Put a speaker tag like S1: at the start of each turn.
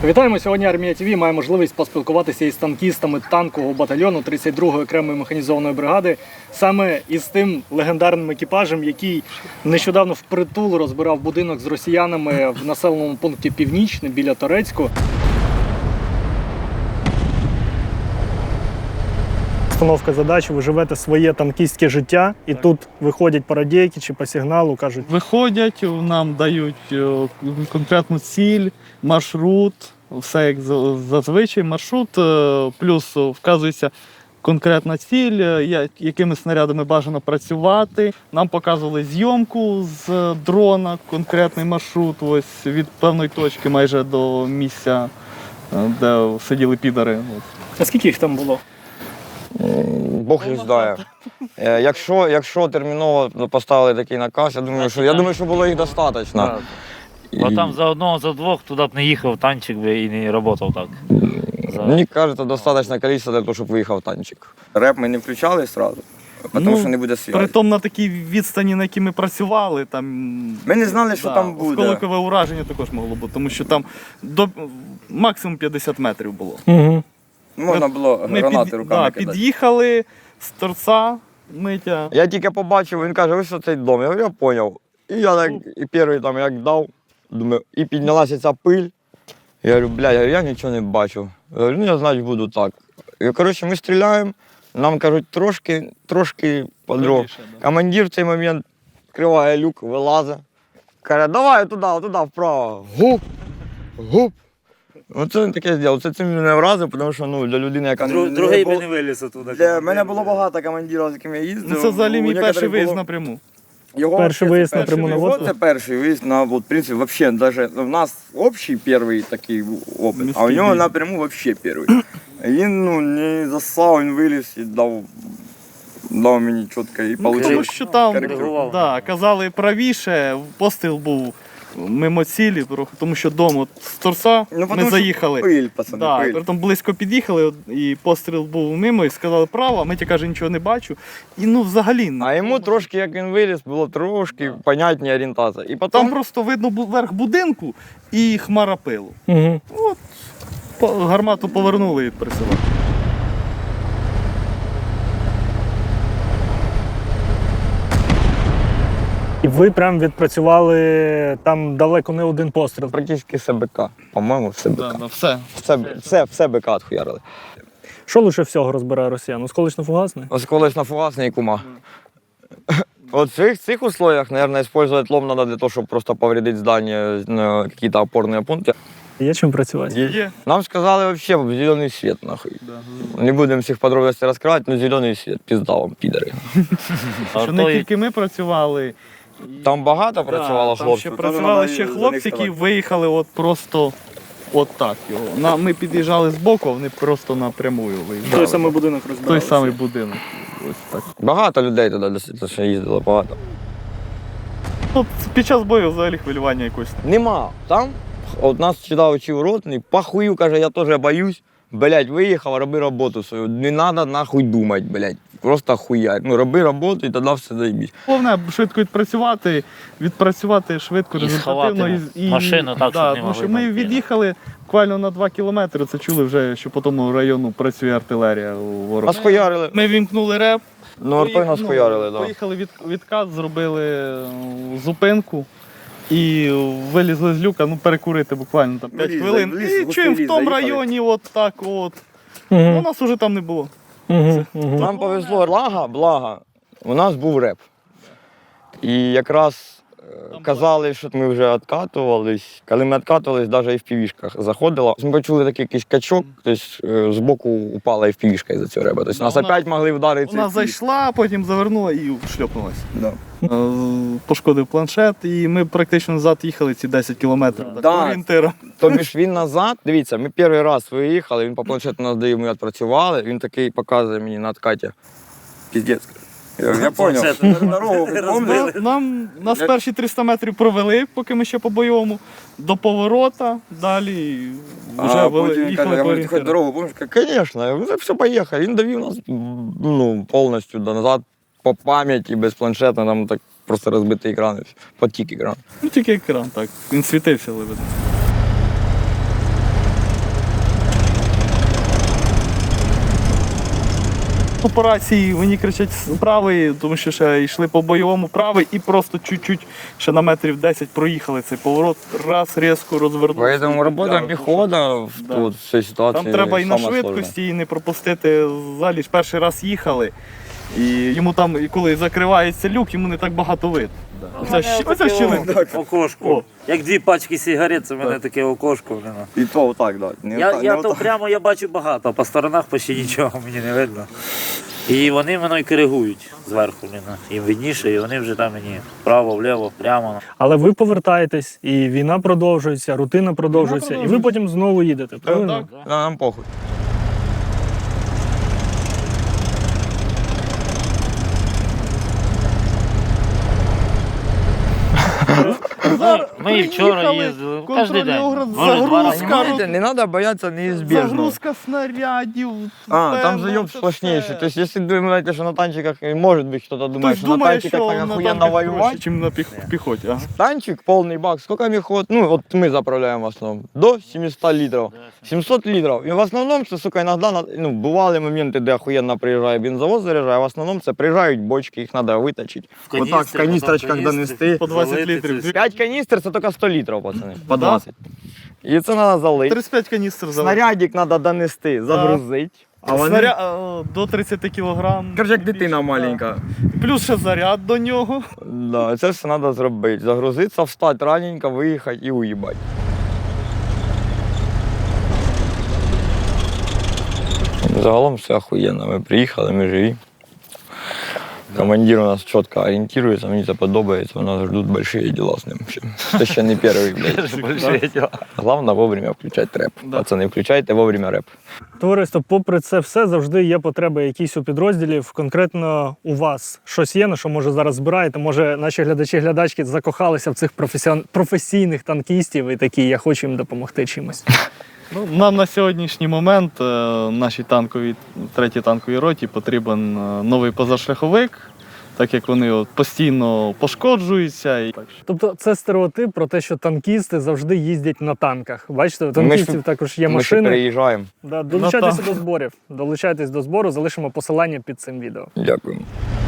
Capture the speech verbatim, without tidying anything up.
S1: Вітаємо! Сьогодні Армія ТВ має можливість поспілкуватися із танкістами танкового батальйону тридцять другої окремої механізованої бригади, саме із тим легендарним екіпажем, який нещодавно впритул розбирав будинок з росіянами в населеному пункті Північне біля Торецьку. Постановка задачі, ви живете своє танкістське життя, і так. Тут виходять парадійки чи по сигналу, кажуть.
S2: Виходять, нам дають конкретну ціль, маршрут, все як зазвичай, маршрут, плюс вказується конкретна ціль, якими снарядами бажано працювати. Нам показували зйомку з дрона, конкретний маршрут, ось від певної точки майже до місця, де сиділи підари.
S1: А скільки їх там було?
S3: Бог їх знає. Якщо, якщо терміново поставили такий наказ, я думаю, що, я думаю, що було їх достатньо.
S4: Бо там за одного, за двох туди б не їхав танчик би і не працював так. За...
S3: Мені кажуть, достатньо кількість для того, щоб виїхав танчик. Реп ми не включали одразу, тому
S2: ну,
S3: що не буде світу.
S2: Притом на такій відстані, на якій ми працювали, там...
S3: Ми не знали, що
S2: да,
S3: там буде.
S2: Осколкове ураження також могло бути, тому що там до максимум п'ятдесят метрів було.
S1: Угу.
S3: Можна було гранати
S2: під,
S3: руками
S2: да,
S3: кидати.
S2: Під'їхали з торця, Митя.
S3: Я тільки побачив, він каже, ось цей дом. Я говорю, я зрозумів. І я так, і перший там як дав, думаю, і піднялася ця пиль. Я говорю, бля, я, я нічого не бачу. Я говорю, ну я значить буду так. І, коротше, ми стріляємо, нам кажуть, трошки, трошки подров.
S2: Да.
S3: Командир в цей момент відкриває люк, вилазить. Каже, давай туди, туди, вправо. Гуп, гуп. Оце він таке зробив. Це цим мене вразив, тому що ну, для людини, яка
S4: Друг,
S3: не,
S4: другий
S3: не
S4: би не виліз оттуда.
S3: Для мене було багато командирів, з якими я їздив.
S2: Ну, це взагалі мій
S3: У
S2: перший
S3: некоторих
S2: виїзд
S3: було...
S2: напряму.
S3: Його
S1: Перший
S3: вообще
S1: виїзд
S3: це
S1: напряму
S3: перший.
S1: на
S3: Його
S1: водку?
S3: це перший виїзд на, от, в принципі, вообще, даже в нас общий перший такий опит, а у нього напряму вообще перший. Він ну, не засав, він виліз і дав, дав мені чітко і
S2: Ну, тому
S3: получив.
S2: що там
S3: корективу.
S2: да, казали правіше, постріл був мимо цілі, тому що дом от з торця
S3: Ну,
S2: ми
S3: потому що
S2: заїхали.
S3: Пиль, пацани,
S2: Да,
S3: пиль.
S2: притом близько під'їхали, і постріл був мимо, і сказали право, а Митя каже, нічого не бачу. І ну взагалі.
S3: А йому трошки, як він виліз, було трошки понятні орієнтація. І потім...
S2: Там просто видно бу- верх будинку і хмара пилу.
S1: Угу.
S2: От, по- гармату повернули і присилали.
S1: І ви прям відпрацювали там далеко не один постріл.
S3: Практично все БК, по-моєму, все БК.
S2: Да, да, все.
S3: Все, все, все БК відхуярили.
S1: Що лише всього розбирає росіян? Осколочно-фугасний?
S3: Ось колись на фугасний і кума. Вот в цих, цих условиях, наверное, использовать лом надо для того, чтобы просто повредить здание, на какие-то опорные пункты.
S1: Є чим працювати?
S2: Є.
S3: Нам сказали вообще зеленый свет, нахуй.
S2: Да.
S3: Не будем всіх подробностей раскрывать, но зеленый свет, пизда вам, підари.
S2: Що не тільки ми працювали.
S3: Там багато
S2: Да,
S3: працювало
S2: там
S3: хлопців.
S2: ще працювали ще хлопці, які виїхали от просто от так його. На, ми під'їжджали збоку, а вони просто напряму виїжджали.
S1: Той самий будинок розбирали.
S2: Той самий будинок. Ось так.
S3: Багато людей туди досить ще їздило, багато.
S2: От під час бою взагалі хвилювання якось.
S3: Нема. Там, от нас сюди вчив ротний, похую, каже, я теж боюсь. Блять, виїхав, роби роботу свою. Не треба нахуй думати, блять. Просто хуярь. Ну, роби роботу і тоді все заїбісь.
S2: Головне швидко відпрацювати, відпрацювати швидко,
S4: І
S2: результативно.
S4: сховати машину так,
S2: да,
S4: щоб не
S2: тому що
S4: могли
S2: ми
S4: знайти.
S2: від'їхали буквально на два кілометри, це чули вже, що по тому району працює артилерія у ворога.
S3: Нас хуярили.
S2: Ми вімкнули реп.
S3: Ну, артой нас
S2: Поїх-
S3: хуярили,
S2: ну,
S3: так. Да.
S2: Поїхали від, відкат, зробили е, зупинку і вилізли з люка, ну перекурити буквально там п'ять
S3: Вліз,
S2: хвилин.
S3: вліз,
S2: І
S3: густий
S2: чуємо в
S3: ліс,
S2: тому
S3: заїхали.
S2: районі, от так от. Ну,
S1: Угу.
S2: нас уже там не було.
S1: Угу. Угу.
S3: Нам повезло, лага, блага, у нас був реп. І якраз е, казали, що ми вже відкатувались. Коли ми відкатувались, навіть і в півішках заходило. Ми почули такий якийсь качок, тобто е, збоку упала і в півішка із-за цього реба. Тобто
S2: Да,
S3: нас
S2: вона-
S3: опять могли вдарити.
S2: Вона зайшла, потім завернула і шльопнулася.
S3: Да.
S2: Е, Пошкодив планшет, і ми практично назад їхали ці десять кілометрів. Так,
S3: Да.
S2: орієнтиром.
S3: Тобі ж він назад, дивіться, ми перший раз виїхали, він по планшету нас дає, ми відпрацювали, він такий показує мені на откаті. Піздець. Я, я зрозумів. Дорогу помню.
S2: Нам нас перші триста метрів провели, поки ми ще по бойовому, до поворота, далі вже
S3: А
S2: вели-
S3: потім він каже,
S2: їхали
S3: я
S2: по
S3: говорю, ти хоч
S2: орієнтиру.
S3: дорогу помниш? Каже, звісно, я говорю, все, поїхали. Він довів нас ну, повністю до назад по пам'яті, без планшету, там так просто розбитий екран, потік екран.
S2: Ну тільки екран, так. Він світився, але видно. По рації мені кричать правий, тому що ще йшли по бойовому правий і просто чуть-чуть ще на метрів десять проїхали цей поворот, раз різко розвернувся.
S3: Поэтому робота піхота в,
S2: Да.
S3: тут, в цій ситуації
S2: Там треба і на
S3: сама
S2: швидкості, і не пропустити. Взагалі ж перший раз їхали. І йому там, і коли закривається люк, йому не так багато видно. Оце, щ- оце щілина.
S4: Окошко.
S2: О.
S4: Як дві пачки сигарет, це в мене таке окошко. блін.
S3: І то отак, да. Не
S4: Я,
S3: отак,
S4: я
S3: не
S4: то
S3: отак.
S4: прямо я бачу багато, а по сторонах почти нічого мені не видно. І вони мене коригують зверху. блін. Їм видніше, і вони вже там мені вправо, вліво, прямо.
S1: Але ви повертаєтесь, і війна продовжується, рутина продовжується, і ви
S2: продовжується.
S1: потім знову їдете. Правильно?
S2: Так.
S3: Да, нам похуй.
S4: Ми і вчора
S2: Приїхали,
S4: їздили, кожен день.
S2: контрольний огляд,
S4: Може, два рази.
S2: загрузка.
S3: Понимаете, не надо бояться неизбежного.
S2: Загрузка снарядів.
S3: А, там
S2: певно,
S3: заеб
S2: це
S3: сплошнейший.
S2: все.
S3: То есть, если думаете, что на танчиках, и может быть, кто-то думает,
S2: Хтось
S3: что на
S2: думає,
S3: танчиках
S2: що
S3: так
S2: на
S3: охуенно
S2: танках
S3: воевать.
S2: проще, ніж на піх- піхоті. Ага.
S3: Танчик, полный бак, сколько мехот? Ну, вот мы заправляем в основном. До семисот литров. семьсот литров. И в основном, це, сука, иногда, на- ну, бывали моменты, де охуенно приїжджає бензовоз заряджає, а в основном це приїжджають бочки, їх треба виточити.
S4: В
S3: Вот так, в
S4: каністрі,
S3: каністрочках
S4: потім
S3: донести.
S2: По двадцять
S4: залити
S2: літрів.
S4: це.
S3: п'ять каністр це тільки сто літрів, пацани. По
S2: Да?
S3: двадцять. І це треба залити.
S2: тридцять п'ять каністр залили.
S3: Снарядик треба донести, загрузити. А вони...
S2: Снаря... е, до тридцять кілограм.
S3: Короче, як дитина
S2: Більше,
S3: маленька.
S2: да. Плюс ще заряд до нього.
S3: Да, це все треба зробити. Загрузитися, встати раненько, виїхати і уїбати. Загалом все охуєнно. Ми приїхали, ми живі. Командир у нас чітко орієнтується, мені це подобається, у нас ждуть великі діла з ним. ще. Це ще не перший, блядь.
S4: Большие діла.
S3: Головне вовремя включати реп.
S2: Да.
S3: Пацани, включайте вовремя реп.
S1: Товариство, попри це все, завжди є потреби якісь у підрозділів. Конкретно у вас щось є, на що може зараз збираєте? Може, наші глядачі-глядачки закохалися в цих професіон... професійних танкістів і такі, я хочу їм допомогти чимось.
S2: Ну, нам на сьогоднішній момент е, нашій танковій, третій танковій роті потрібен е, новий позашляховик, так як вони от, постійно пошкоджуються. І... так що-
S1: Тобто це стереотип про те, що танкісти завжди їздять на танках. Бачите, у танкістів
S3: Ми ж-
S1: також є
S3: Ми ще
S1: машини.
S3: приїжджаємо.
S1: Да, долучайтеся
S2: Ну,
S1: до зборів. Долучайтесь до збору, залишимо посилання під цим відео.
S3: Дякую.